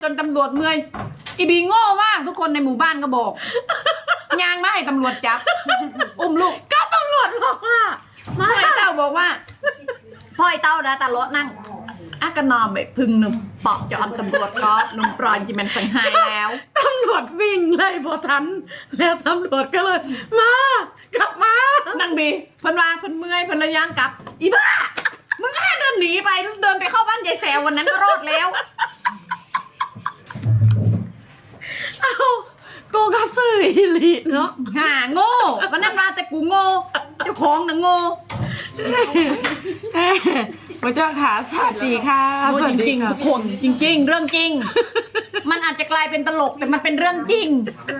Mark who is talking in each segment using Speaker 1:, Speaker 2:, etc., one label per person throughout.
Speaker 1: จนตำรวจเมื่อยอีบีโง่มากทุกคนในหมู่บ้านก็บอกยางมาให้ตำรวจจับอุ้มลูกก็ตำรวจบอกว่าพ่อไอ้เต้าบอกว่าพ่อไอ้เต้านะตาลดนั่งอากนอมไปพึ่งหนุ่มปอกจอมตำรวจก็หนุ่มปลอยจิมันสังหายแล้ว
Speaker 2: ตำรวจวิ่งไล่พอทันแล้วตำรวจก็เลยมากลับมา
Speaker 1: นั่งบีเพิ่นว่าเพิ่นเมื่อยเพิ่นระย่างกลับอีบ้ามึงแค่เดินหนีไปเดินไปเข้าบ้านยายแซววันนั้นก็รอดแล้ว
Speaker 2: เอาโกกระสืออีหลีเนาะ
Speaker 1: ห่าโง่วันนั้นมาแต่กูโง่เจ้าของน่ะโง่
Speaker 2: พระเจ้าขาสวัสดีค่ะ
Speaker 1: โง่จริงๆทุกคนจริงๆเรื่องจริงมันอาจจะกลายเป็นตลกแต่มันเป็นเรื่องจริง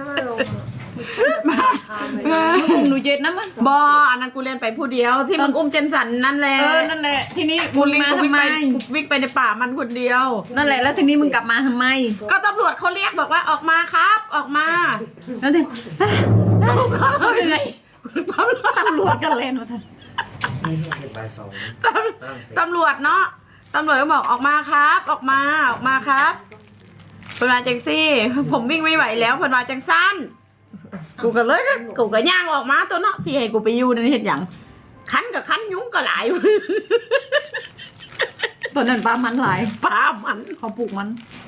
Speaker 1: อุ้มหนูเจ็ดนะมั้ง
Speaker 2: บออันนั้นกูเรียนไปผู้เดียวที่มึงอุ้มเจนสันนั่นแหละ
Speaker 1: นั่นแหละทีนี้
Speaker 2: กู
Speaker 1: มาทำไม
Speaker 2: วิ่งไปในป่ามันคนเดียว
Speaker 1: นั่นแหละแล้วทีนี้มึงกลับมาทำไม
Speaker 2: ก็ตำรวจเขาเรียกบอกว่าออกมาครับออกมา
Speaker 1: แล้วทีเขาเหนื่อยตำรวจกันเลยนะท่าน
Speaker 2: ตำรวจเนาะตำรวจก็บอกออกมาครับออกมาครับเพิ่นมาจังซี่ผมวิ่งไม่ไหวแล้วเพิ่นมาจังสั้นกูก็เลยกูก็ย่างออกมาตัวเนาะสิให้กูไปอยู่ในเฮ็ดหยังคันกับคันยุ้งก็หลาย
Speaker 1: ตอนนั้นปลามันหลาย
Speaker 2: ปลามัน
Speaker 1: เขาปลูกมัน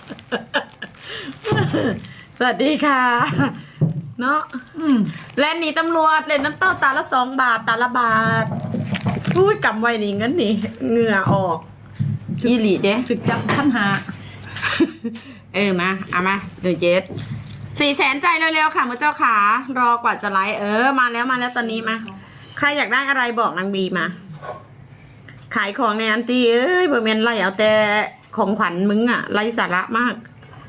Speaker 2: สวัสดีค่ะเนาะแลนหนีตำรวจเล่นน้ำเต้าตาละ2 บาทตาละบาทพูดกำไว้นี่เงินนี่เหงื่อออกอีหลีเด้
Speaker 1: ถึกจับท่านหา
Speaker 2: มาเอามา400,000ใจเร็วๆค่ะมือเจ้าขารอกว่าจะไลฟ์มาแล้วตอนนี้มาใครอยากได้อะไรบอกนางบีมาขายของในอันตีเบอร์เมนไล่เอาแต่ของขวัญมึงอะไล่สาระมาก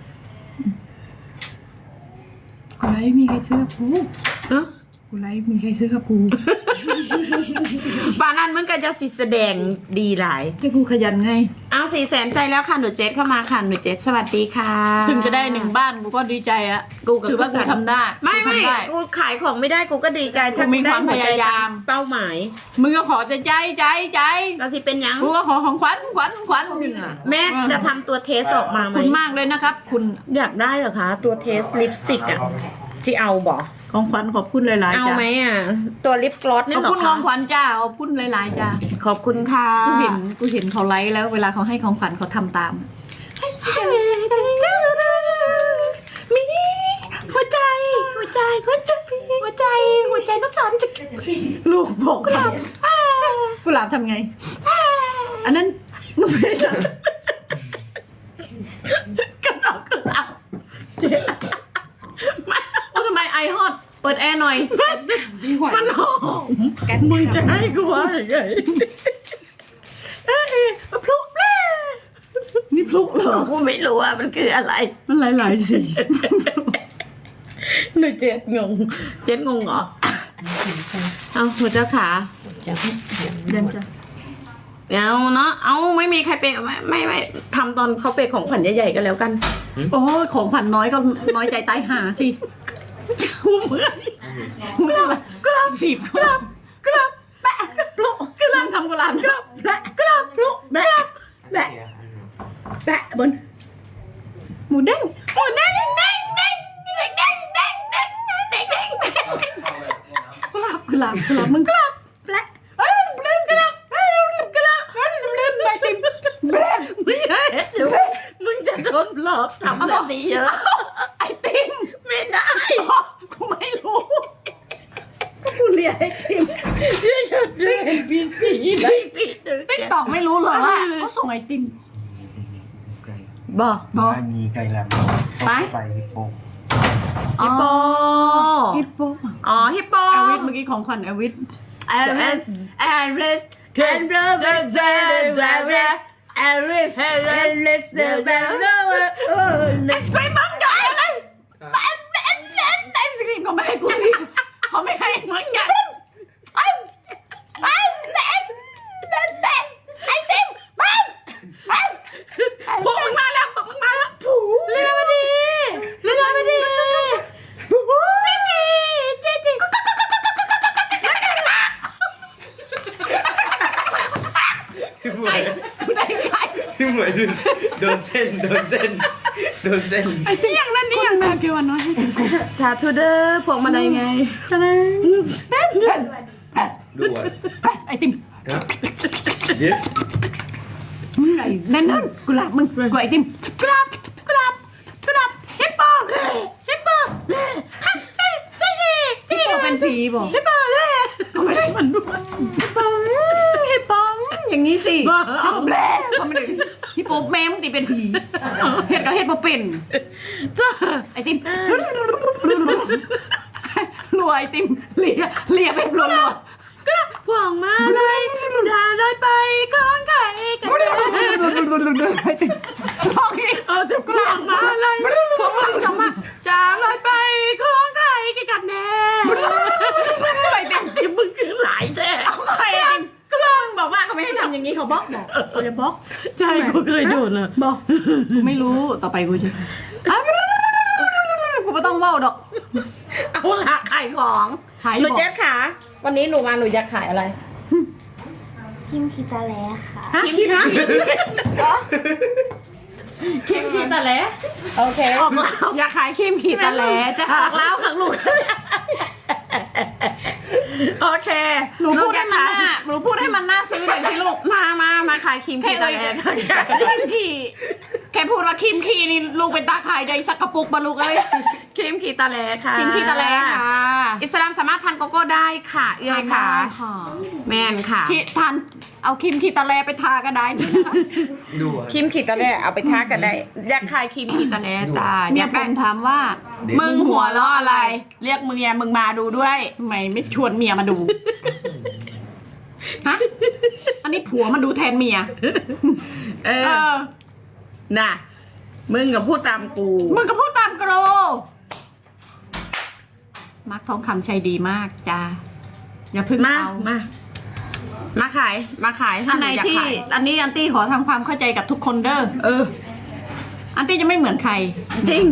Speaker 1: กูไลฟ์มีใครซื้อกูกูไลฟ์มีใครซื้อกับกู
Speaker 2: ป่านั้นมึงก็จะสิแสดงดีหลาย
Speaker 1: ที่กูขยันไง
Speaker 2: เอา400,000ใจแล้วค่ะหนูเจสเข้ามาค่ะหนูเจสสวัสดีค่ะ
Speaker 1: ถึงจะได้1 บ้านกูก็ดีใจอะ
Speaker 2: กูก็
Speaker 1: ถือว่ากูทำได้
Speaker 2: ไม่กูขายของไม่ได้กูก็ดีใจ
Speaker 1: ถ้ามีความพยายาม
Speaker 2: เป้าหมาย
Speaker 1: มึงก็ขอใจ
Speaker 2: ก็สิเป็นยัง
Speaker 1: กูก็ขอของขวัญ
Speaker 2: แม่จะทำตัวเทสออกมาไหม
Speaker 1: คุณมากเลยนะครับคุณ
Speaker 2: อยากได้เหรอคะตัวเทสลิปสติกอะสิเอาบอก
Speaker 1: ของขวัญขอบคุณหลายๆจ้า
Speaker 2: เอาไหมอ่ะตัวลิปกลอสนี่หรอคะ
Speaker 1: ขอบคุณของขวัญจ้าขอบคุณหลายๆจ้า
Speaker 2: ขอบคุณค่ะ
Speaker 1: กูเห็นเขาไลฟ์แล้วเวลาเขาให้ของขวัญเขาทำตาม
Speaker 2: มีหัวใจน้ำสอนจะ
Speaker 1: ลูกบอกครับกุหลาบทำไงอันนั้นมึงไม่ใช่กระดอกกุหลาบทำไมไอฮอตเปิดแอร์หน่อย
Speaker 2: มันหอมมึงจะให้กูว่าอย่างไงพลุ
Speaker 1: นี่พลุเหรอ
Speaker 2: กูไม่รู้ว่ามันคืออะไร
Speaker 1: มันหลายๆสี
Speaker 2: หนูเจ็ดงงเหรอเอาหัวเจ้าขา
Speaker 1: เดินจ้ะ
Speaker 2: เอาเนาะเอาไม่มีใครเปย์ไม่ทำตอนเขาเปย์ของขวัญใหญ่ๆกันแล้วกัน
Speaker 1: โอ้ของขวัญน้อยก็น้อยใจตายหาสิกูเหมือนกราบ10กราบแปะปลุกกราบทำกุหลาบกราบแปะกราบปลุกแปะบนหมูเด้งกุหลาบมึงกราบแปะลืมกราบไปติม
Speaker 2: ไม่ใช่มึงจะโดนหลอกทำแบบนี้เยอะ
Speaker 1: ไอติม
Speaker 2: ไม่ได้
Speaker 1: กูไม่รู้กูเรียนไอติม
Speaker 2: ที่ฉันด้วยNPCได้ปี
Speaker 1: ติ๊กตอกไม่รู้เลยว่าเขาส่งไอติม
Speaker 2: บอก
Speaker 3: ยีไกลแหลมไปฮิปโป
Speaker 2: ฮิปโปอ๋อฮิปโป
Speaker 1: แอลวิสเมื่อกี้ของขวัญแอลวิสไอศกรีมมึงจ่ายอะไรไอศกรีมเขาไม่ให้กูสิเขาไม่ให้มึงกันไอติม
Speaker 2: พวกมึงมาแล้วเร็วมาดิเจ๊
Speaker 3: พี่หมวยโดนเส้นโดนเส้น
Speaker 1: ไอ้ที่อย่างนั้นนี่อย่างนั้นเกี่ยวน้อย
Speaker 2: สาธุเด้อพวงมาลัยไง
Speaker 3: ด่วน
Speaker 1: ไอ้ติม
Speaker 3: yes
Speaker 1: ไอ้นั่นกุหลาบมึงกูไอ้ติมกุหลาบฮิปโปฮิปโปใช่ฮิปโปเป็นผีบอกฮิปโปเลยไม่ได้มันด้วยฮิปโปอย่างนี้สิฮิปโปแบลเขาไม่ได้ฮิปโปแม่มึงตีเป็นผีเฮ็ดก็เฮ็ดบ่เป็น
Speaker 2: จ้า
Speaker 1: ไอติมรัวไอติมเลียไปรัว
Speaker 2: พวงมาลัยอย่าลอยไปของใครกันแน่
Speaker 1: ไอติมลองอีก
Speaker 2: จะกลางมาลัยพวงมาลัยส่งมาจะลอยไปของใครกันแน่
Speaker 1: ไอติม
Speaker 2: ที่มึงคือหลายแท้
Speaker 1: ใครไอติมก็ลองบอกว่าเขาไม่ให้ทำอย่างนี้เขาบอกเขาจะบอก
Speaker 2: ใช่กูเคยโดนเลย
Speaker 1: บอกไม่รู้ต่อไปกูจะกูไม่ต้องเว้าดอก
Speaker 2: เอาละขายของ
Speaker 1: ขาย
Speaker 2: หนู
Speaker 1: บอก
Speaker 2: เจ๊ขาวันนี้หนูมาหนูอยากขายอะไร
Speaker 4: พิมพ์คิตาแลค่ะ
Speaker 2: คิมคีตะแหลโอเคอยากขายคิมคีตะแหลจะ
Speaker 1: ออกแล้วค่ะลูก
Speaker 2: โอเค
Speaker 1: หนูพูด
Speaker 2: อ
Speaker 1: ให้
Speaker 2: ยาก
Speaker 1: มัน
Speaker 2: ขาย
Speaker 1: น่าซื้อหน่อยสิลูก
Speaker 2: มาขายคิมคีตะแหล
Speaker 1: คิมคีแค่พูดว่าคิมคีนี่ลูกเป็นตาขายใดสักกระปุกบะลูกเอ้ย
Speaker 2: คิมคีตะแหลค่ะ
Speaker 1: คิมคีตะแลค่ะ
Speaker 2: อิสลามสามารถทานโกโก้ได้ค่ะเอื้อยค่ะ
Speaker 1: ค่ะ
Speaker 2: แม่นค่ะ
Speaker 1: ที่ทานเอาคิมคีตะแลไปทาก็ได้นะคะ
Speaker 3: ด่วน
Speaker 2: คิมขีดตะแหลเอาไปทักกันได้ อยากขายคิมขีดตะแหลจ้าอ
Speaker 1: เนี่ย
Speaker 2: ยาก
Speaker 1: ผ
Speaker 2: ได้
Speaker 1: มถามว่า
Speaker 2: มึงหัวล้ออะไร เรียกมึงมึงมาดูด้วย
Speaker 1: ทำไมไม่ชวนเมียมาดูฮะอันนี้ผัวมาดูแทนเมีย
Speaker 2: เออ น่ะ มึงกับพูดตามกู
Speaker 1: มึงก็พูดตามโกรมาร์คทองคำใจดีมากจ้าอย่าเพึ่ง
Speaker 2: มา
Speaker 1: เอา
Speaker 2: มาขาย
Speaker 1: อันไหน
Speaker 2: อยาก
Speaker 1: ที่
Speaker 2: ขาย
Speaker 1: อันนี้อันตี้ขอทำความเข้าใจกับทุกคนเด้อ
Speaker 2: เออ
Speaker 1: อันตี้จะไม่เหมือนใคร
Speaker 2: จริง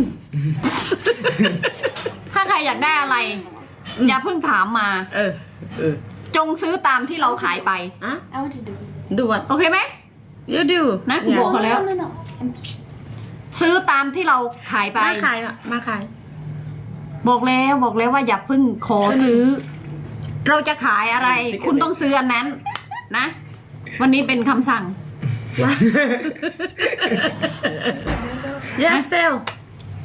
Speaker 1: ถ้าใครอยากได้อะไร อย่าเพิ่งถามมา
Speaker 2: เออ
Speaker 1: จงซื้อตามที่เราขายไป
Speaker 2: อ่ะ
Speaker 4: I want to do
Speaker 2: ด่วน
Speaker 1: โอเคไหม
Speaker 2: ดู
Speaker 1: นะกูบอกเขาแล้ว
Speaker 4: no
Speaker 1: ซื้อตามที่เราขายไป
Speaker 2: มาขายอ่ะมาขาย
Speaker 1: บอกแล้วว่าอย่าเพิ่งขอซื้อ เราจะขายอะไร คุณต้องซื้ออันนั้น นะ วันนี้เป็นคำสั่ง
Speaker 2: yes sell